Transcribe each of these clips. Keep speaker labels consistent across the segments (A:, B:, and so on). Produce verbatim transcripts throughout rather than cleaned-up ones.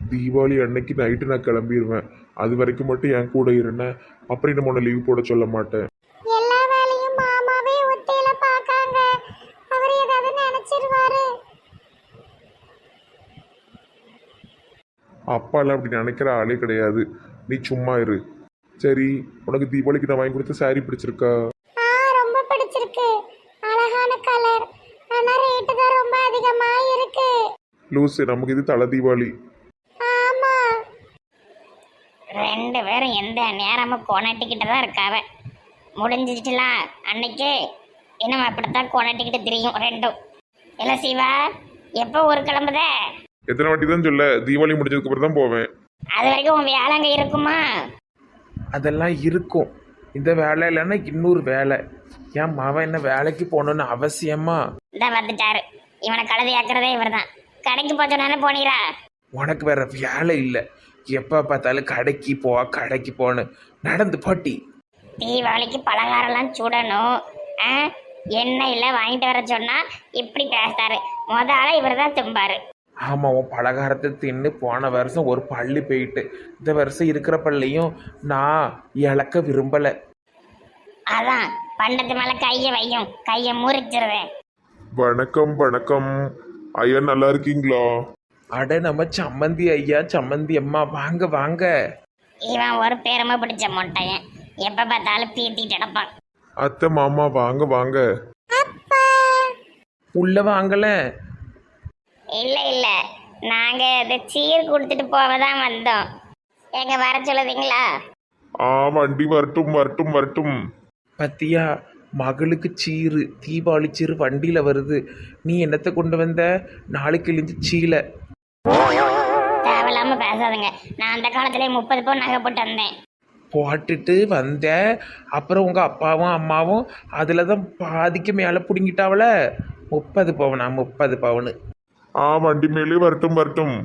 A: தீபாவளி அன்னைக்கு நைட்டு நான் கிளம்பிடுவேன். அது வரைக்கும் மட்டும் என் கூட இருந்தேன். அப்புறம் நம்ம உன்னை லீவ் போட சொல்ல மாட்டேன்.
B: எல்லா வேலையும் மாமாவே ஒத்தையில பாக்காங்க. அவர் ஏதாவது நினைச்சிருவாரு.
A: அப்பாலாம் அப்படி நினைக்கிற ஆளே கிடையாது. நீ சும்மா இரு. சரி, உனக்கு தீபாவளிக்கு நான் வாங்கி கொடுத்த சாரி பிடிச்சிருக்கா?
B: ஆ, ரொம்ப பிடிச்சிருக்கு. அழகான கலர். ஆனா ரேட்டு தான் ரொம்ப அதிகமா இருக்கு.
A: லூசு, நமக்கு இது தலை தீபாவளி.
B: ஆமா.
C: ரெண்டு பேரும் எந்த நேரமும் கொண்டாட்டிக்கிட்டு தான் இருக்காவ. முடிஞ்சிச்சுலாம் அன்னைக்கு இன்னும் அப்படித்தான் கொண்டாட்டிக்கிட்டு தெரியும் ரெண்டும். இல்லை சிவா, எப்போ ஒரு கிளம்புத?
A: எத்தனை வாட்டி தான் சொல்ல, தீபாவளி முடிஞ்சதுக்கு அப்புறம் தான் போவேன்.
C: அது வரைக்கும் உன் வேலை அங்கே இருக்குமா?
D: அதெல்லாம் இருக்கும். இந்த வேலை இல்லைன்னா இன்னொரு வேலை. என் மவன் என்ன வேலைக்கு போகணுன்னு அவசியமா?
C: இந்த வந்துட்டாரு. இவனை கழுதையாக்குறதே இவர் தான். கடைக்கு போச்சோன்னு போனீரா?
D: உனக்கு வேற வேலை இல்லை. எப்போ பார்த்தாலும் கடைக்கு போ கடைக்கு போன்னு நடந்து போட்டி.
C: தீபாவளிக்கு பலகாரம்லாம் சுடணும். ஆ, எண்ணெயில் வாங்கிட்டு வர சொன்னா இப்படி பேசுறாரு. முதல்ல இவர் தான் தும்பாரு.
D: ஆமாம், உன் பலகாரத்தை தின்னு போன வருஷம் ஒரு பள்ளி போயிட்டு இந்த வருஷம் இருக்கிற பள்ளியும் நான் இழக்க விரும்பலை.
C: அதான் பண்டத்து மேலே கையை வையும், கையை முறிச்சிருவேன்.
A: வணக்கம் வணக்கம் ஐயா, நல்லா இருக்கீங்களா?
D: அட நம்ம சம்மந்தி ஐயா, சம்மந்தி அம்மா, வாங்க வாங்க.
C: இவன் ஒரு பெருமை பிடிச்ச மொட்டையன். எப்போ பார்த்தாலும் பீத்திட்டு கிடப்பான்.
A: அத்தை மாமா வாங்க வாங்க.
D: உள்ள வாங்கல.
C: இல்லை இல்லை, நாங்கள் இது சீர் கொடுத்துட்டு போக தான் வந்தோம். எங்க வர சொல்லுதீங்களா?
A: ஆ, வண்டி வரட்டும் வரட்டும் வரட்டும்.
D: பத்தியா, மகளுக்கு சீரு, தீபாவளி சீரு வண்டியில் வருது. நீ என்னத்தை கொண்டு வந்த? நாளைக்கு இழிஞ்சு சீலை.
C: தேவையில்லாம பேசாதுங்க. நான் அந்த காலத்திலே முப்பது பவுன் நகை போட்டு வந்தேன்.
D: போட்டுட்டு வந்த அப்புறம் உங்கள் அப்பாவும் அம்மாவும் அதில் தான் பாதிக்கு மேலே பிடுங்கிட்டாவல. முப்பது பவுனா? முப்பது பவுனு.
A: ஆ, வண்டி மேலே வரட்டும் வரட்டும்.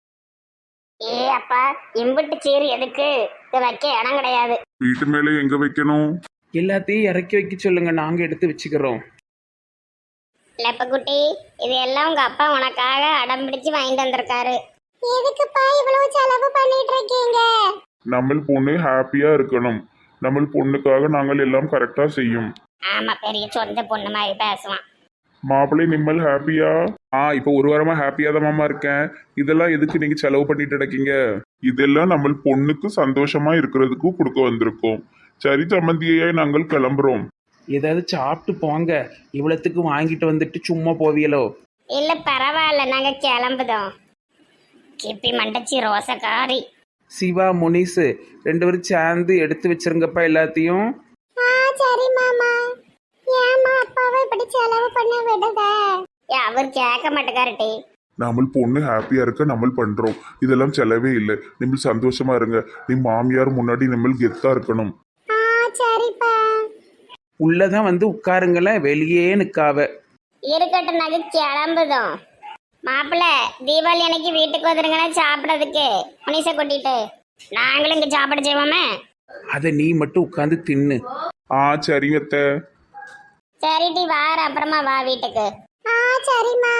C: ஏ அப்பா, இம்புட்டு சீர் எதுக்கு? இது வைக்க இடம் கிடையாது.
A: வீட்டு மேலே எங்க வைக்கணும்?
D: எல்லாத்தையும் இறக்கி வைக்க சொல்லுங்க, நாங்கள் எடுத்து வச்சுக்கிறோம்.
C: லெப்பக்குட்டி, இது எல்லாம் உங்க அப்பா உனக்காக அடம் பிடிச்சு வாங்கிட்டு வந்திருக்காரு.
B: எதுக்குப்பா இவ்வளவு செலவு பண்ணிட்டு இருக்கீங்க?
A: நம்ம பொண்ணு ஹாப்பியா இருக்கணும். நம்ம பொண்ணுக்காக நாங்கள் எல்லாம் கரெக்டா செய்யும்.
C: ஆமா, பெரிய சொந்த பொண்ணு மாதிரி பேசுவான்.
A: மாப்பிள்ளை நிம்மல் ஹாப்பியா? ஆ, இப்போ ஒரு வாரமா ஹாப்பியா தான் மாமா இருக்கேன். இதெல்லாம் எதுக்கு நீங்க செலவு பண்ணிட்டு இருக்கீங்க? இதெல்லாம் நம்ம பொண்ணுக்கு சந்தோஷமா இருக்கிறதுக்கு கொடுக்க வந்திருக்கோம். சரி சம்மந்தியை, நாங்கள் கிளம்புறோம்.
D: ஏதாவது சாப்பிட்டு போங்க. இவ்வளோத்துக்கு வாங்கிட்டு வந்துட்டு சும்மா போவியலோ?
C: இல்ல பரவாயில்ல, நாங்க கிளம்புதோம். கிப்பி மண்டச்சி ரோசக்காரி.
D: சிவா, முனிசு ரெண்டு பேரும் சேர்ந்து எடுத்து வச்சிருங்கப்பா எல்லாத்தையும்.
B: ஆ, சரி மாமா. ஏமா அப்பாவை இப்படி செலவு பண்ண விடுத?
C: ஏ, அவர் கேட்க மாட்டேக்காருட்டி.
A: நம்ம பொண்ணு ஹாப்பியா இருக்க நம்ம பண்றோம். இதெல்லாம் செலவே இல்லை. நம்ம சந்தோஷமா இருங்க. நீ மாமியார் முன்னாடி நம்ம கெத்தா இருக்கணும்.
B: ஆ, சரிப்பா.
D: உள்ளதான் வந்து உட்காருங்களேன், வெளியே நிற்காவ.
C: இருக்கட்டும், நாங்க கிளம்புதோம். மாப்பிள்ள, தீபாவளி அன்னைக்கு வீட்டுக்கு வந்துருங்கன்னா சாப்பிடறதுக்கு முனிசை கூட்டிட்டு. நாங்களும் இங்க சாப்பிட செய்வோமே.
D: அதை நீ மட்டும் உட்காந்து தின்னு.
A: ஆ, சரிங்க அத்தை.
C: சரிடி, வார அப்புறமா வா வீட்டுக்கு.
B: ஆ, சரிம்மா.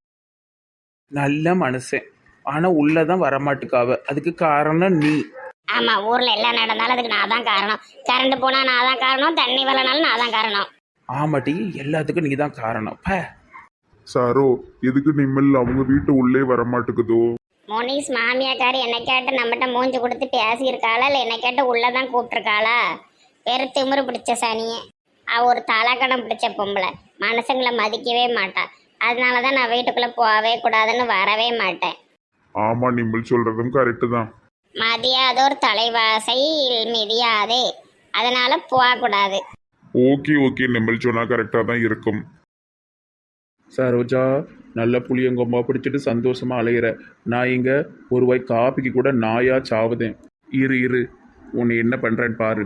D: நல்ல மனுஷன், ஆனால் உள்ளதான் வரமாட்டுக்காவ. அதுக்கு காரணம் நீ.
C: ஆமா, ஊர்ல எல்லாம் நடந்தாலும் அதுக்கு நான் தான் காரணம். கரண்ட் போனா நான் தான் காரணம். தண்ணி வரனாலும் நான் தான் காரணம்.
D: ஆமாட்டி, எல்லாத்துக்கும் நீ தான் காரணம். ப
A: சாரோ, எதுக்கு நிம்மல் அவங்க வீட்டு உள்ளே வரமாட்டுக்குதோ?
C: மோனிஸ் மாமியாக்காரி என்ன கேட்டு நம்மகிட்ட மூஞ்சி கொடுத்து பேசியிருக்காளா, இல்லை என்ன கேட்டு உள்ளதான் கூப்பிட்டுருக்காளா? வேறு திமிரு பிடிச்ச சனியே. அவ ஒரு தலக்கணம் பிடிச்ச பொம்பளை. மனுஷங்களை மதிக்கவே மாட்டா. அதனால தான் நான் வீட்டுக்குள்ளே போகவே கூடாதுன்னு வரவே மாட்டேன்.
A: ஆமா, நிம்மல் சொல்றதும் கரெக்டு தான்.
C: மதியாதோர் தலைவாசை மிதியாதே, அதனால போகக்கூடாது.
A: ஓகே ஓகே, நிம்மல் சொன்னா கரெக்டா தான் இருக்கும்.
D: சரோஜா, நல்ல புளியங்கொம்பா பிடிச்சிட்டு சந்தோஷமா அலையிற. நான் இங்க ஒரு வாய் காப்பிக்கு கூட நாயா சாவுதேன். இரு இரு, உன்னை என்ன பண்றேன்னு பாரு.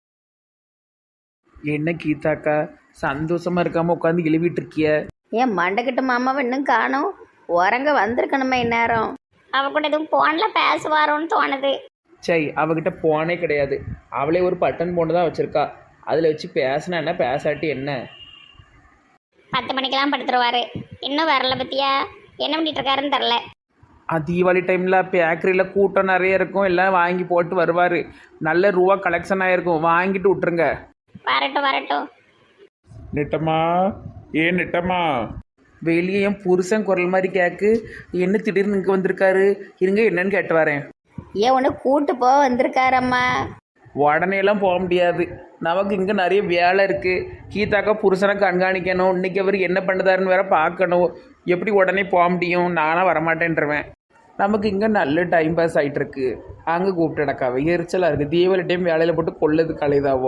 D: என்ன கீதாக்கா, சந்தோஷமா இருக்காம உட்காந்து எழுவிட்டு இருக்கிய?
E: ஏன் மண்டக்கிட்ட மாமாவை இன்னும் காணோம்? உறங்க வந்திருக்கணுமே இந்நேரம்.
C: அவ கூட எதுவும் போன்ல பேசுவாரோன்னு தோணுது.
D: சரி, அவகிட்ட போனே கிடையாது. அவளே ஒரு பட்டன் போன் தான் வச்சிருக்கா. அதில் வச்சு பேசினா என்ன, பேசாட்டி என்ன?
C: பத்து மணிக்கெல்லாம் படுத்துருவாரு. இன்னும் வரல பத்தியா? என்ன பண்ணிட்டு இருக்காருன்னு தெரில.
F: ஆ, தீபாவளி டைமில் பேக்கரியில் கூட்டம் நிறைய இருக்கும், எல்லாம் வாங்கி போட்டு வருவார். நல்ல ரூபா கலெக்ஷன் ஆகிருக்கும், வாங்கிட்டு விட்ருங்க.
C: வரட்டும் வரட்டும்.
A: நெட்டம்மா, ஏ நெட்டம்மா.
F: வெளியே என் புருஷன் குரல் மாதிரி கேட்கு, என்ன திடீர்னு இங்கே வந்திருக்காரு, இருங்க என்னன்னு கேட்டு வரேன்.
E: ஏன் ஒன்று கூட்டு போக வந்திருக்காரம்மா.
F: உடனே எல்லாம் போக முடியாது, நமக்கு இங்கே நிறைய வேலை இருக்குது. கீதாக்கா புருஷனை கண்காணிக்கணும், இன்னைக்கு அவர் என்ன பண்ணுதாருன்னு வேற பார்க்கணும். எப்படி உடனே போக முடியும், நானாக வரமாட்டேன்றவேன். நமக்கு இங்கே நல்ல டைம் பாஸ் ஆகிட்டுருக்கு. அங்கே கூப்பிட்டுடக்காவ எரிச்சலாக இருக்குது. தீபாவளி டைம் வேலையில் போட்டு கொள்ளது கலைதாவோ.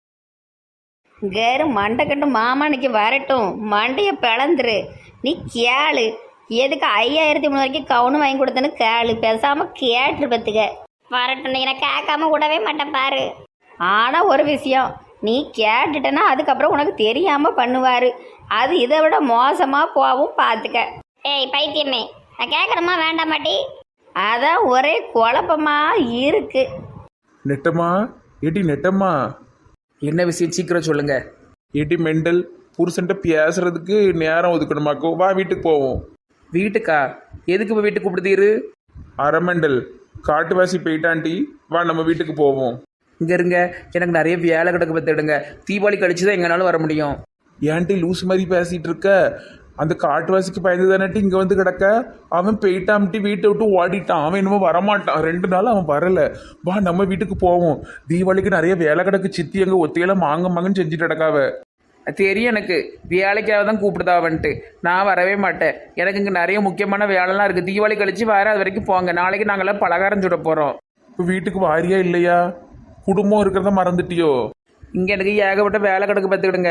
E: கேரு மண்டை கட்டு மாமா இன்னைக்கு வரட்டும், மண்டையை பிளந்துரு. நீ கேளு, எதுக்கு ஐயாயிரத்தி மூணு வரைக்கும் கவுனு வாங்கி கொடுத்தேன்னு கேளு, பேசாமல் கேட்டு பத்துக்க.
C: வரட்டும், நீ எனக்கு கேட்காம விடவே மாட்டேன் பாரு.
E: ஆனால் ஒரு விஷயம், நீ கேட்டுட்டனா அதுக்கப்புறம் உனக்கு தெரியாமல் பண்ணுவார். அது இதை விட மோசமாக போகவும் பார்த்துக்க.
C: ஏய் பைத்தியமே, நான் கேட்கணுமா வேண்டாம் மாட்டி?
E: அதான் ஒரே குழப்பமாக இருக்கு.
A: நெட்டம்மா, ஏடி நெட்டம்மா.
F: என்ன விஷயம் சீக்கிரம் சொல்லுங்க.
A: ஏடி மெண்டல், புருஷன்ட்ட பேசுறதுக்கு நேரம் ஒதுக்கணுமாக்கோ, வா வீட்டுக்கு போவோம்.
F: வீட்டுக்கா? எதுக்கு இப்போ வீட்டுக்கு கூப்பிடுதீரு?
A: அரமெண்டல், காட்டுவாசி போயிட்டாண்டி, வா நம்ம வீட்டுக்கு போவோம்.
F: இங்கே இருங்க, எனக்கு நிறைய வேலை கிடக்கு பார்த்துடுங்க. தீபாவளி கழிச்சு தான் எங்கனாலும் வர முடியும்.
A: ஏன்ட்டி லூஸ் மாதிரி பேசிட்டு இருக்க? அந்த காட்டுவாசிக்கு பயந்து தானட்டி இங்கே வந்து கிடக்க. அவன் போயிட்டான்ட்டி, வீட்டை விட்டு ஓடிட்டான். அவன் என்னமோ வரமாட்டான், ரெண்டு நாள் அவன் வரல. வா நம்ம வீட்டுக்கு போவோம். தீபாவளிக்கு நிறைய வேலை கிடக்கு. சித்தி எங்க ஒத்தையில மாங்க மாங்கன்னு செஞ்சுட்டு கிடக்காவ.
F: தெரியும் எனக்கு, வேலைக்காக தான் கூப்பிடுதாவன்ட்டு. நான் வரவே மாட்டேன், எனக்கு இங்கே நிறைய முக்கியமான வேலைலாம் இருக்குது. தீபாவளி கழிச்சு வர, அது வரைக்கும் போங்க. நாளைக்கு நாங்களாம் பலகாரம் சுட போகிறோம்.
A: இப்போ வீட்டுக்கு வாரியா இல்லையா? குடும்பம் இருக்கிறத மறந்துட்டியோ?
F: இங்கே எனக்கு ஏகப்பட்ட வேலை கிடக்கு பார்த்துக்கிடுங்க.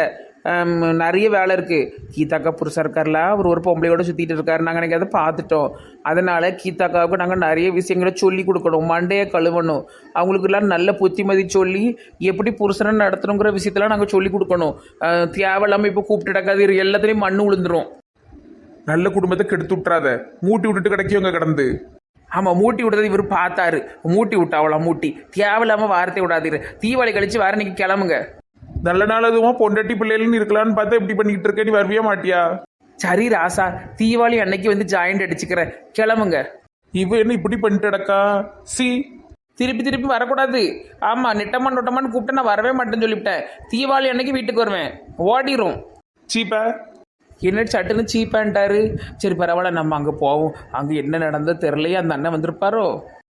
F: நிறைய வேலை இருக்குது. கீதாக்கா புருஷா இருக்கார்ல, அவர் ஒரு பொம்பளையோட சுற்றிட்டு இருக்காரு. நாங்கள் எனக்கு அதை பார்த்துட்டோம். அதனால் கீதாக்காவுக்கு நாங்கள் நிறைய விஷயங்களை சொல்லி கொடுக்கணும். மண்டையை கழுவணும். அவங்களுக்கெல்லாம் நல்ல புத்திமதி சொல்லி எப்படி புருஷனை நடத்தணுங்கிற விஷயத்தெல்லாம் நாங்கள் சொல்லி கொடுக்கணும். தேவையில்லாமல் இப்போ கூப்பிட்டுடக்காது, எல்லாத்துலேயும் மண்ணு விழுந்துரும்.
A: நல்ல குடும்பத்தை கெடுத்து விட்றாத. மூட்டி விட்டுட்டு கிடைக்கிவங்க கிடந்து.
F: ஆமாம், மூட்டி விடுறது இவர் பார்த்தாரு. மூட்டி விட்டா அவ்வளோ மூட்டி. தேவையில்லாமல் வார்த்தை விடாதீரு. தீபாவளி கழிச்சு வர நீங்கள் கிளம்புங்க.
A: நல்ல நாள் அதுவும் பொண்டாட்டி பிள்ளைகள்னு இருக்கலான்னு பார்த்தா இப்படி பண்ணிக்கிட்டு இருக்க. நீ வரவே மாட்டியா?
F: சரி ராசா, தீபாவளி அன்னைக்கு வந்து ஜாயிண்ட் அடிச்சுக்கிறேன், கிளம்புங்க.
A: இவ என்ன இப்படி பண்ணிட்டு கிடக்கா? சி,
F: திருப்பி திருப்பி வரக்கூடாது. ஆமாம், நெட்டமான் நொட்டமான்னு கூப்பிட்டு நான் வரவே மாட்டேன்னு சொல்லிவிட்டேன். தீபாவளி அன்னைக்கு வீட்டுக்கு வருவேன், ஓடிரும்.
A: சீப்பா
F: என்ன சட்டுன்னு சீப்பான்ட்டாரு. சரி பரவாயில்ல, நம்ம அங்கே போவோம். அங்கே என்ன நடந்தோ தெரிலையே, அந்த அண்ணன் வந்திருப்பாரோ.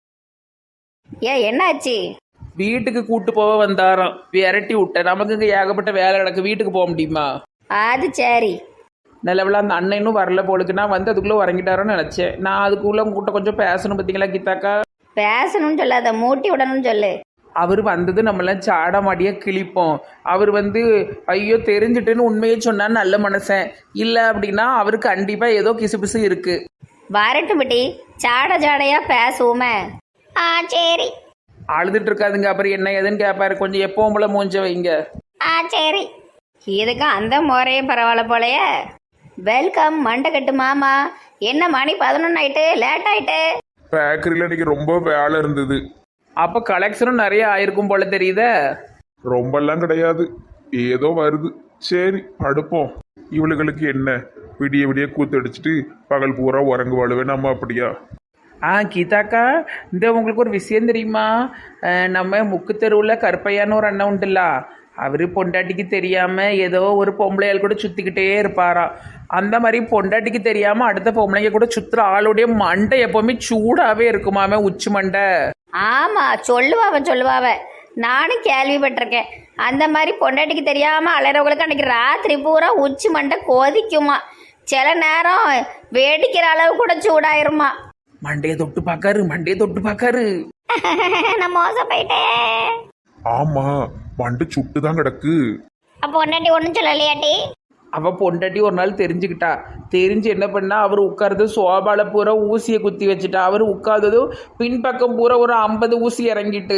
E: ஏன் என்னாச்சு?
F: வீட்டுக்கு கூட்டு போக வந்தாராம், விரட்டி விட்டேன். நமக்கு இங்கே ஏகப்பட்ட வேலை கிடக்கு, வீட்டுக்கு போக முடியுமா?
E: அது சரி.
F: நல்லவள அந்த அண்ணன் இன்னும் வரல போலுக்கு. நான் வந்து அதுக்குள்ளே உறங்கிட்டாரோன்னு நினச்சேன். நான் அதுக்குள்ளே உங்ககிட்ட கொஞ்சம் பேசணும் பார்த்தீங்களா கீதாக்கா?
E: பேசணும்னு சொல்லாத, மூட்டி விடணும்னு சொல்லு.
F: அவர் வந்தது நம்மளாம் சாட மாடியாக கிழிப்போம். அவர் வந்து ஐயோ தெரிஞ்சுட்டுன்னு உண்மையை சொன்னான்னு நல்ல மனுஷன் இல்லை அப்படின்னா அவருக்கு கண்டிப்பாக ஏதோ கிசு பிசு இருக்கு.
E: வரட்டும் பிட்டி, சாட சாடையா பேசுவோமே.
C: ஆ சரி.
F: அழுதுட்டு இருக்காதுங்க, அப்புறம் என்ன ஏதுன்னு கேட்பாரு. கொஞ்சம் எப்பவும் போல மூஞ்ச வைங்க.
C: ஆ சரி.
E: இதுக்கு அந்த முறையே பரவாயில்ல போலையே. வெல்கம் மண்டை கட்டு மாமா. என்ன மணி பதினொன்று ஆயிட்டு, லேட் ஆயிட்டு.
A: பேக்கரியில் இன்னைக்கு ரொம்ப வேலை இருந்தது.
F: அப்போ கலெக்ஷனும் நிறைய ஆயிருக்கும் போல தெரியுதே.
A: ரொம்பலாம் கிடையாது, ஏதோ வருது. சரி அடுப்போம். இவளுகளுக்கு என்ன, விடிய விடிய கூத்தடிச்சிட்டு பகல் பூரா உறங்கு வாழுவேன் நம்ம, அப்படியா?
F: ஆ கீதாக்கா, இந்த உங்களுக்கு ஒரு விஷயம் தெரியுமா? அஹ் நம்ம முக்கு தெருவில் கருப்பையான்னு ஒரு அண்ணன் உண்டுல்ல, அவர் பொண்டாட்டிக்கு தெரியாமல் ஏதோ ஒரு பொம்பளையால் கூட சுற்றிக்கிட்டே இருப்பாராம். அந்த மாதிரி பொண்டாட்டிக்கு தெரியாமல் அடுத்த பொம்பளைங்க கூட சுற்றுற ஆளுடைய மண்டை எப்போவுமே சூடாகவே இருக்குமாமே, உச்சி மண்டை.
E: ஆமாம், சொல்லுவாவ சொல்லுவாவ, நானும் கேள்விப்பட்டிருக்கேன். அந்த மாதிரி பொண்டாட்டிக்கு தெரியாமல் அலைறவங்களுக்கு அன்றைக்கி ராத்திரி பூரா உச்சி மண்டை கொதிக்குமா. சில நேரம் வேடிக்கிற அளவு கூட சூடாயிருமா.
F: மண்டையை தொட்டு பார்க்காரு, மண்டையை தொட்டு பார்க்காரு.
C: நான் மோசம் போயிட்டேன்.
A: ஆமா, மண்டை சுட்டு தான் கிடக்கு.
C: அப்போ ஒன்னாட்டி ஒன்றும் சொல்லலையாட்டி?
F: அவ பொண்டாட்டி ஒரு நாள் தெரிஞ்சுக்கிட்டா. தெரிஞ்சு என்ன பண்ணா, அவர் உட்கார்றது சோபால பூரா ஊசியை குத்தி வச்சுட்டா. அவர் உட்கார்ந்ததும் பின்பக்கம் பூரா ஒரு ஐம்பது ஊசி இறங்கிட்டு.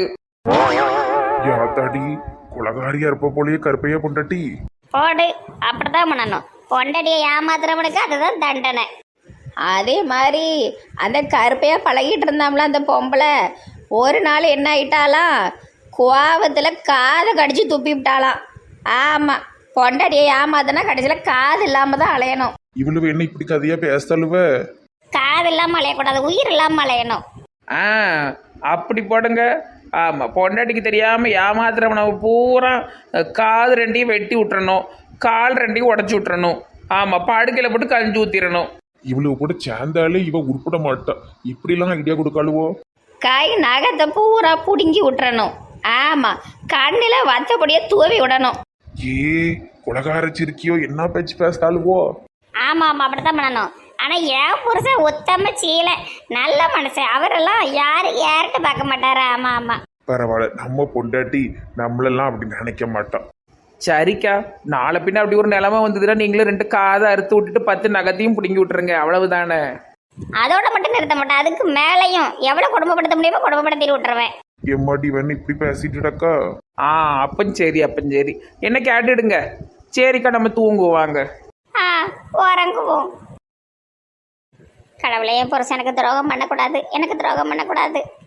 A: யாத்தாடி, குலகாரியா இருப்ப போலயே கருப்பையா பொண்டாட்டி.
C: போடு, அப்படிதான் பண்ணணும். பொண்டாட்டியை ஏமாத்துறவனுக்கு அதுதான் தண்டனை.
E: அதே மாதிரி அந்த கருப்பையாக பழகிட்டு இருந்தாங்களா அந்த பொம்பளை, ஒரு நாள் என்ன ஆயிட்டாலாம், கோவத்தில் காதை கடிச்சு துப்பி விட்டாலாம். ஆமாம், பொண்டாட்டியை ஏமாத்தினா கடைசியில் காது இல்லாமல் தான் அலையணும்.
A: இவ்வளவு என்ன இப்படி கதையா பேசலுவ?
C: காது இல்லாமல் அலையக்கூடாது, உயிர் இல்லாமல் அலையணும்.
F: ஆ அப்படி போடுங்க. ஆமாம், பொண்டாட்டிக்கு தெரியாமல் ஏமாத்துறவனை பூரா காது ரெண்டையும் வெட்டி விட்டுறணும், கால் ரெண்டையும் உடச்சி விட்டுறணும். ஆமாம், படுக்கையில் போட்டு கஞ்சி ஊற்றிடணும்.
A: இவ்வளவு கூட சேர்ந்தாலே இவ உருப்பட மாட்டா. இப்படிலாம் ஐடியா கொடுக்காளுவோ.
E: கை நகத்தை பூரா பிடுங்கி விட்டுறணும். ஆமாம், கண்ணில் வத்தப்படியே தூவி விடணும்.
A: ஏ குலகாரச்சிருக்கியோ, என்ன பேச்சு பேசாளுவோ.
C: ஆமாம் ஆமாம், அப்படித்தான் பண்ணணும். ஆனால் என் புருஷன் உத்தம சீலை, நல்ல மனுஷன். அவரெல்லாம் யார் யார்கிட்ட பார்க்க மாட்டாரு. ஆமாம் ஆமாம்.
A: பரவாயில்ல, நம்ம பொண்டாட்டி நம்மளெல்லாம் அப்படி நினைக்க மாட்டான்.
F: சரிக்கா, நாளை பின்ன அப்படி ஒரு நிலைமை வந்ததுன்னா நீங்களும் ரெண்டு காதை அறுத்து விட்டுட்டு பத்து நகத்தையும் பிடுங்கி விட்டுருங்க, அவ்வளவுதானே.
C: அதோட மட்டும் நிறுத்த மாட்டேன், அதுக்கு மேலேயும் எவ்வளோ குடும்பப்படுத்த முடியுமோ குடும்பப்படுத்தி விட்டுருவேன்.
A: எம்மாடி வேணும் இப்படி பேசிட்டுடக்கா.
F: ஆ அப்பன் சரி, அப்பன் சரி, என்ன கேட்டுடுங்க. சரிக்கா, நம்ம தூங்குவாங்க.
C: ஆ உறங்குவோம். கடவுளே, என் புருஷனுக்கு துரோகம் பண்ணக்கூடாது, எனக்கு துரோகம் பண்ணக்கூடாது.